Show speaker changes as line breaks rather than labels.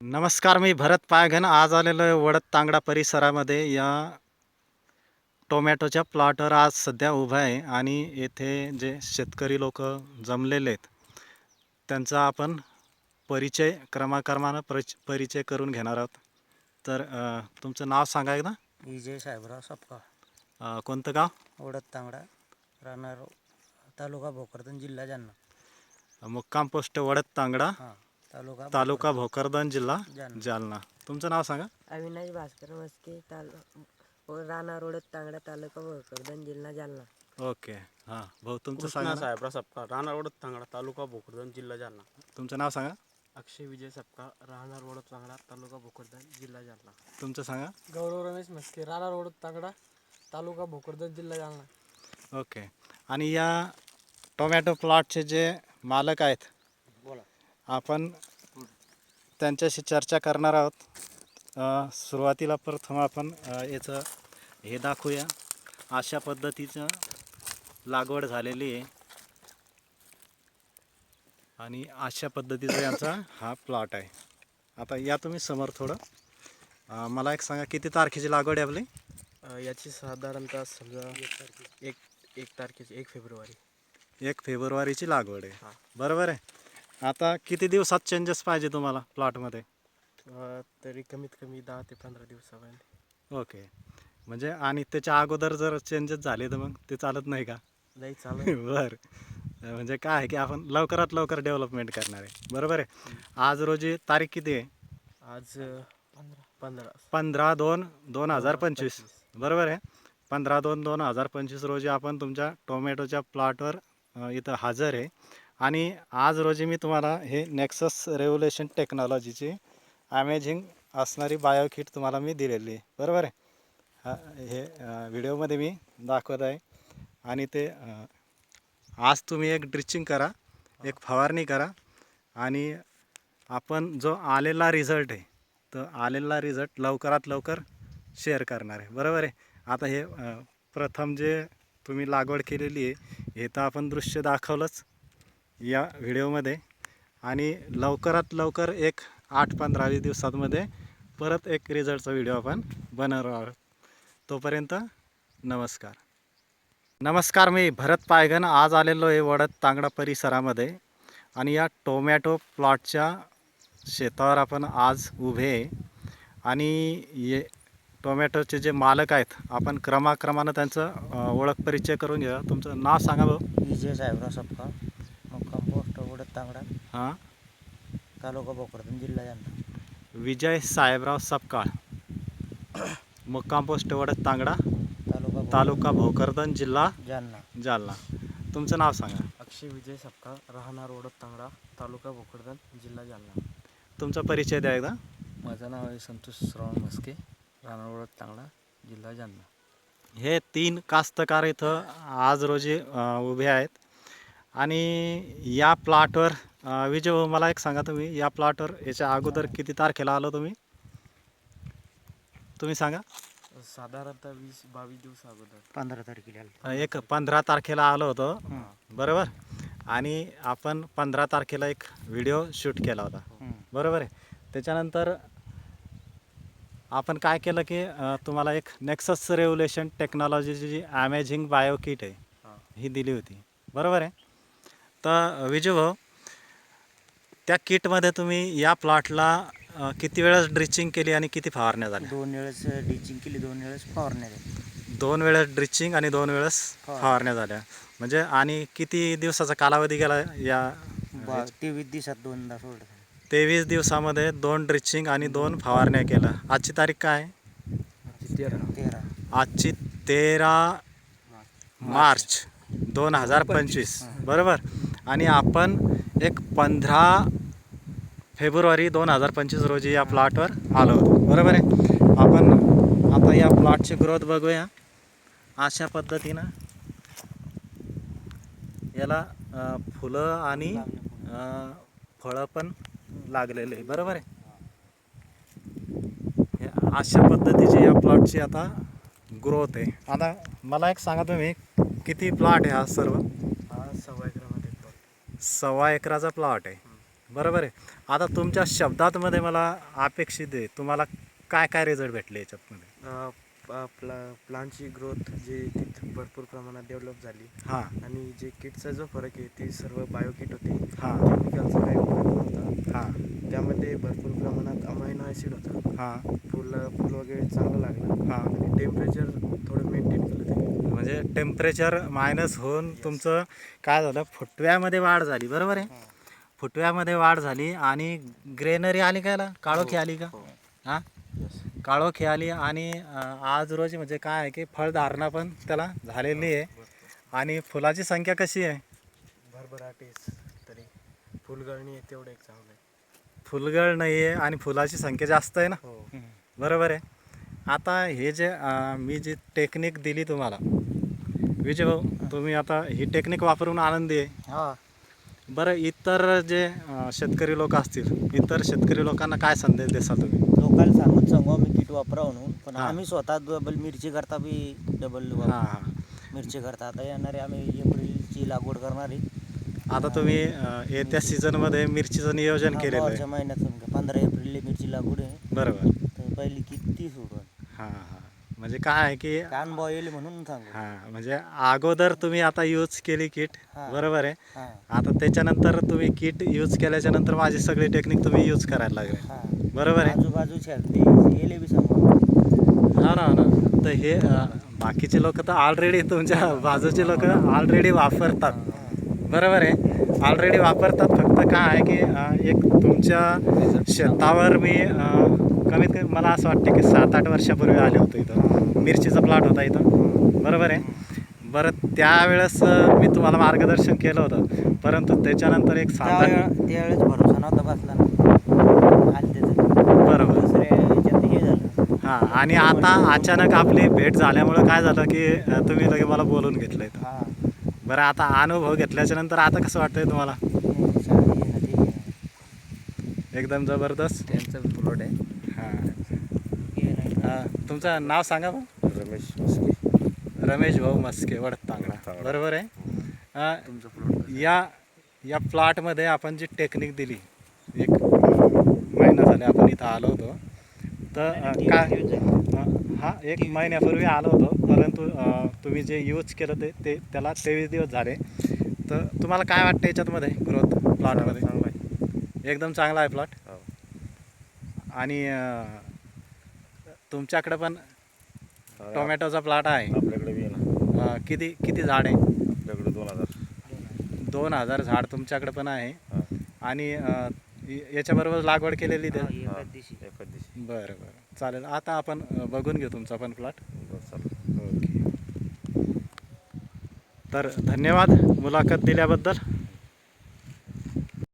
नमस्कार, मी भरत पायघन आज आलेलो आहे वडद तांगडा परिसरामध्ये. या टोमॅटोच्या प्लॉटवर आज सध्या उभा आहे आणि येथे जे शेतकरी लोक जमलेले आहेत त्यांचा आपण परिचय क्रमाक्रमानं परिचय करून घेणार आहोत. तर तुमचं नाव सांगा एकदा.
विजय साहेबराव सपकाळ,
कोणतं गाव?
वडद तांगडा, राहणार तालुका भोकरदन, जिल्हा जालना.
मुक्काम पोस्ट वडद तांगडा, तालुका भोकरदन, जिल्हा जालना. तुमचं नाव सांगा.
अविनाश भास्कर मस्के, राहणार वडद तांगडा, तालुका भोकरदन, जिल्हा जालना.
ओके. हां भाऊ, तुमचं सांगा.
साहेबराव सपकाळ, राहणार वडद तांगडा, तालुका भोकरदन, जिल्हा जालना.
तुमचं नाव सांगा.
अक्षय विजय सपकाळ, राहणार वडद तांगडा, तालुका भोकरदन, जिल्हा जालना.
तुमचं सांगा.
गौरव रमेश मस्के, राहणार वडद तांगडा, तालुका भोकरदन, जिल्हा जालना.
ओके. आणि या टोमॅटो प्लॉटचे जे मालक आहेत आपण त्यांच्याशी चर्चा करणार आहोत. सुरुवातीला प्रथम आपण याचं हे दाखवूया. अशा पद्धतीचं लागवड झालेली आहे आणि अशा पद्धतीचा यांचा हा प्लॉट आहे. आता या तुम्ही समोर थोडं मला एक सांगा, किती तारखेची लागवड आहे आपली?
याची साधारणतः समजा एक तारखेची 1 फेब्रुवारी.
1 फेब्रुवारीची लागवड आहे.
हां.
बरोबर आहे. आता किती दिवसात चेंजेस पाहिजे तुम्हाला प्लॉटमध्ये?
तरी कमीत कमी 10 ते 15 दिवसापर्यंत.
ओके. म्हणजे आणि त्याच्या अगोदर जर चेंजेस झाले तर मग ते चालत नाही का?
नाही चालू.
बरं. म्हणजे काय आहे की आपण लवकरात लवकर डेव्हलपमेंट करणार आहे. बरोबर आहे. आज रोजी तारीख किती आहे?
आज 15.
15/2/2025. बरोबर आहे. 15/2/2025 रोजी आपण तुमच्या टोमॅटोच्या प्लॉटवर इथं हजर आहे. आणि आज रोजी मी तुम्हाला हे नेक्सस रेव्होल्युशन टेक्नॉलॉजीची अमेझिंग असणारी बायो किट तुम्हाला मी दिलेली आहे. बरोबर आहे. हे व्हिडिओमध्ये मी दाखवत आहे. आणि ते आज तुम्ही एक ड्रिचिंग करा, एक फवारणी करा आणि आपण जो आलेला रिझल्ट आहे तर आलेला रिझल्ट लवकरात लवकर शेअर करणार आहे. बरोबर आहे. आता हे प्रथम जे तुम्ही लागवड केलेली आहे हे तर आपण दृश्य दाखवलंच या व्हिडिओमध्ये. आणि लवकरात लवकर एक 8-15 दिवसांमध्ये परत एक रिझल्टचा व्हिडिओ आपण बनवणार आहोत. तोपर्यंत नमस्कार. नमस्कार, मी भरत पायघन आज आलेलो आहे वडद तांगडा परिसरामध्ये आणि या टोमॅटो प्लॉटच्या शेतावर आपण आज उभे आहे. आणि टोमॅटोचे जे मालक आहेत आपण क्रमाक्रमानं त्यांचं ओळख परिचय करून घ्या. तुमचं नाव सांगा भाऊ.
विजय साहेबराव सपकाळ, मुक्काम पोस्ट वडद तांगडा,
हां.
तालुका भोकरदन, जिल्हा जालना.
विजय साहेबराव सपकाळ, मुक्काम पोस्ट वडद तांगडा, तालुका भोकरदन, जिल्हा जालना. तुमचं नाव सांगा.
अक्षय विजय सपकाळ, राहणार वडद तांगडा, तालुका भोकरदन, जिल्हा जालना.
तुमचा परिचय द्या एकदा.
माझं नाव आहे संतोष श्रावण मस्के, राहणार वडद तांगडा, जिल्हा जालना.
हे 3 कास्तकार इथं आज रोजी उभे आहेत. आणि या प्लॉटवर विजय भाऊ, मला एक सांगा, तुम्ही या प्लॉटवर याच्या अगोदर किती तारखेला आलो तुम्ही सांगा.
साधारणतः 20-22 दिवस अगोदर
15 तारखेला.
एक 15 तारखेला आलो होतो. बरोबर. आणि आपण 15 तारखेला एक व्हिडिओ शूट केला होता. बरोबर आहे. त्याच्यानंतर आपण काय केलं की तुम्हाला एक नेक्सस रेव्होल्युशन टेक्नॉलॉजीची जी अमेझिंग बायो किट आहे ही दिली होती. बरोबर आहे. तर विजय भाऊ, त्या किटमध्ये तुम्ही या प्लॉटला किती वेळेस ड्रिचिंग केली आणि किती फवारण्या झाल्या?
2 वेळेस ड्रिचिंग केली, 2 वेळेस फवारण्या झाल्या.
2 वेळेस ड्रिचिंग आणि 2 वेळेस फवारण्या झाल्या. म्हणजे आणि किती दिवसाचा कालावधी गेला या?
23 दिवसात 2दा सोडलं.
23 दिवसामध्ये 2 ड्रिचिंग आणि 2 फवारण्या केल्या. आजची तारीख काय आहे?
13.
आजची 13 मार्च 2025. बरोबर. आणि आपण एक 15 फेब्रुवारी 2025 रोजी या प्लॉटवर आलो होतो. बरोबर आहे. आपण आता या प्लॉटची ग्रोथ बघूया. अशा पद्धतीनं याला फुलं आणि फळं पण लागलेले आहे. बरोबर आहे. हे अशा पद्धतीची या प्लॉटची आता ग्रोथ आहे. आता मला एक सांगा, तुम्ही किती प्लॉट आहे हा सर्व?
हा 1.25 एकरामध्ये प्लॉट.
1.25 एकराचा प्लॉट आहे. बरोबर आहे. आता तुमच्या शब्दांमध्ये मला अपेक्षित आहे तुम्हाला काय काय रिझल्ट भेटले याच्यातमध्ये?
प्लांटची ग्रोथ जी तिथे भरपूर प्रमाणात डेव्हलप झाली
हां
आणि जे किटचा जो फरक आहे ती सर्व बायो किट होते,
हां
केमिकलचा काही उपयोग नव्हता.
हां
त्यामध्ये भरपूर प्रमाणात अमायनो ॲसिड होतं.
हां
फुल वगैरे चांगलं लागलं
हां.
आणि टेम्परेचर थोडं मेंटेन केलं त्यांनी.
म्हणजे टेम्परेचर मायनस होऊन तुमचं काय झालं, फुटव्यामध्ये वाढ झाली. बरोबर आहे. फुटव्यामध्ये वाढ झाली आणि ग्रेनरी आली का याला, काळोखी आली का? हां काळोखी आली आणि आज रोजी म्हणजे काय आहे की फळधारणा पण त्याला झालेली आहे आणि फुलाची संख्या कशी आहे?
भरभराटीस तरी फुलगळणी आहे तेवढं एक चांगलं आहे.
फुलगळ नाही आहे आणि फुलाची संख्या जास्त आहे ना.
हो
बरोबर आहे. आता हे जे मी जी टेक्निक दिली तुम्हाला, विजय भाऊ, तुम्ही आता ही टेक्निक वापरून आनंदी आहे?
हां.
बरं, इतर जे शेतकरी लोक असतील, इतर शेतकरी लोकांना काय संदेश देसाल तुम्ही?
लोकांना सांगू आम्ही किट वापरा म्हणून, पण
हां.
आम्ही स्वतः डबल मिरची करता बी डबल
हां हां.
मिरची करता. आता येणारे आम्ही एप्रिलची लागवड करणार आहे.
आता तुम्ही येत्या सीझनमध्ये मिरचीचं नियोजन केलेलं आहे.
मार्चच्या महिन्यात 15 एप्रिलला मिरची लागवड आहे.
बरोबर.
तर पहिली किती सोडून
हां हां. म्हणजे काय आहे की
अनुभव येईल म्हणून सांगू.
हां, म्हणजे अगोदर तुम्ही आता यूज केली किट,
हां.
बरोबर आहे.
हां
आता त्याच्यानंतर तुम्ही किट यूज केल्याच्या नंतर माझी सगळी टेक्निक तुम्ही यूज करायला लागले.
हां.
बरोबर आहे.
आजूबाजूच्या ते येले बी सांगू.
हा ना, ना. तर हे बाकीचे लोक तर ऑलरेडी, तुमच्या बाजूचे लोक ऑलरेडी वापरतात. बरोबर आहे, ऑलरेडी वापरतात. फक्त काय आहे की एक तुमच्या शेतावर मी कमीत कमी मला असं वाटतं की 7-8 वर्षापूर्वी आले होतो इथं. मिरचीचा प्लॉट होता इथं. बरोबर आहे. बरं, त्यावेळेस मी तुम्हाला मार्गदर्शन केलं होतं, परंतु त्याच्यानंतर एक 7-8
त्यावेळेस भरोसा नव्हता बसला ना. आले त्याचं
बरोबर.
दुसऱ्या ह्याच्यात हे झालं.
हां, आणि आता अचानक आपली भेट झाल्यामुळं काय झालं की तुम्ही लगे मला बोलून घेतलं इथं.
हां.
बरं, आता अनुभव घेतल्याच्या नंतर आता कसं वाटतंय तुम्हाला?
चांगली आहे ना, ठीक आहे.
एकदम जबरदस्त.
त्यांचं प्लॉट आहे.
हां.
हे नाही.
तुमचं नाव सांगा मग?
रमेश मस्के.
रमेश भाऊ मस्के, वडद तांगडा. बरोबर आहे.
तुमचं प्लॉट
या प्लॉटमध्ये आपण जी टेक्निक दिली, एक महिना झाले आपण इथं आलो होतो, तर काय हा 1 महिन्यापूर्वी आलो होतो, परंतु तुम्ही जे यूज केलं ते त्याला 23 दिवस झाले. तर तुम्हाला काय वाटतं याच्यातमध्ये ग्रोथ प्लॉटमध्ये?
चांगलं आहे.
एकदम चांगला आहे प्लॉट.
हो.
आणि तुमच्याकडे पण टोमॅटोचा प्लॉट आहे.
आपल्याकडे बी आहे ना.
किती झाड आहे?
आपल्याकडे 2000.
2000 झाड तुमच्याकडे पण आहे.
हां.
आणि याच्याबरोबर लागवड केलेली ते?
एकाच दिवशी.
एखाद दिवशी.
बरं बरं, चालेल. आता आपण बघून घेऊ तुमचा पण प्लॉट.
बरं, चालेल.
ओके. तर धन्यवाद मुलाखत दिल्याबद्दल.